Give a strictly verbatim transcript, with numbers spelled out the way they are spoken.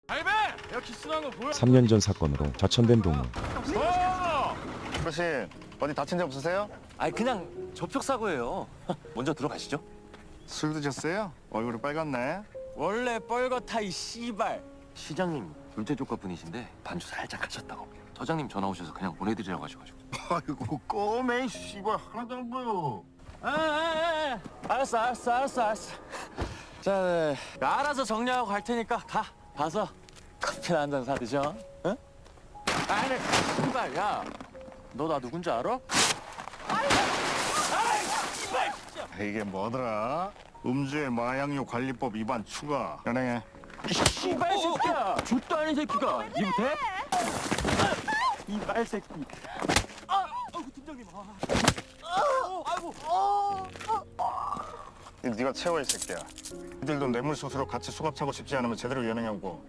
알베! 야 키스난 거 보여? 삼 년 전 사건으로 좌천된 동우. 어르신 어디 다친 데 없으세요? 아니 그냥 접촉 사고예요. 먼저 들어가시죠. 술 드셨어요? 얼굴이 빨갛네. 원래 뻘겋다 이 씨발. 시장님 둘째 조카 분이신데 반주 살짝 하셨다고. 서장님 전화 오셔서 그냥 보내드리라고 하셔가지고. 아이고 꼬매 씨발 하나도 안 보여. 아, 아, 아, 알았어, 알았어, 알았어, 알았어. 자, 알아서 정리하고 갈 테니까 가. 가서 커피나 한 잔 사 드셔. 응? 아니, 씨발, 야, 너 나 누군지 알아? 이게 뭐더라? 음주의 마약류 관리법 위반 추가. 연행해. 씨발 새끼야! 족도 아닌 새끼가 이거 돼? 이발 새끼. 아, 아이고 팀장님. 아, 아, 아이고. 네가 채워 이 새끼야. 니들도 뇌물수수로 같이 수갑 차고 싶지 않으면 제대로 연행하고.